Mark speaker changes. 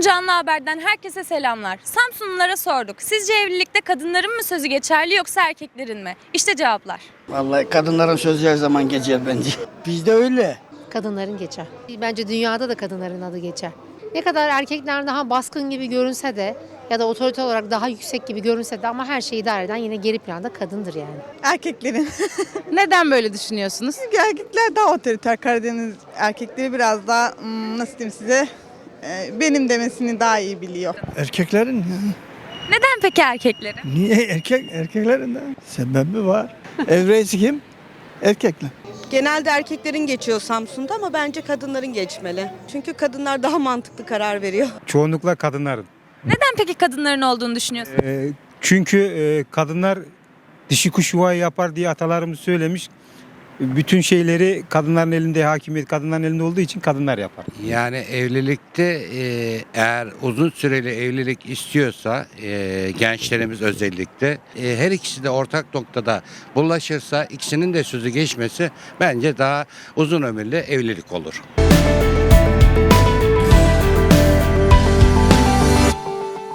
Speaker 1: Samsun Canlı Haber'den herkese selamlar. Samsunlulara sorduk. Sizce evlilikte kadınların mı sözü geçerli yoksa erkeklerin mi? İşte cevaplar.
Speaker 2: Vallahi kadınların sözü her zaman geçer bence. Bizde öyle.
Speaker 3: Kadınların geçer. Bence dünyada da kadınların adı geçer. Ne kadar erkekler daha baskın gibi görünse de ya da otorite olarak daha yüksek gibi görünse de ama her şeyi idare eden yine geri planda kadındır yani.
Speaker 4: Erkeklerin.
Speaker 5: Neden böyle düşünüyorsunuz?
Speaker 4: Çünkü erkekler daha otoriter. Karadeniz erkekleri biraz daha nasıl diyeyim size benim demesini daha iyi biliyor.
Speaker 6: Erkeklerin ya.
Speaker 1: Neden peki erkeklerin?
Speaker 6: Niye erkeklerin de? Sebebi var. Ev reisi kim? Erkekler.
Speaker 7: Genelde erkeklerin geçiyor Samsun'da ama bence kadınların geçmeli. Çünkü kadınlar daha mantıklı karar veriyor.
Speaker 8: Çoğunlukla kadınların.
Speaker 1: Neden peki kadınların olduğunu düşünüyorsunuz?
Speaker 8: Çünkü kadınlar dişi kuş yuvayı yapar diye atalarımız söylemiş. Bütün şeyleri kadınların elinde, hakimiyet kadınların elinde olduğu için kadınlar yapar.
Speaker 9: Yani evlilikte eğer uzun süreli evlilik istiyorsa gençlerimiz özellikle her ikisi de ortak noktada bulaşırsa ikisinin de sözü geçmesi bence daha uzun ömürlü evlilik olur.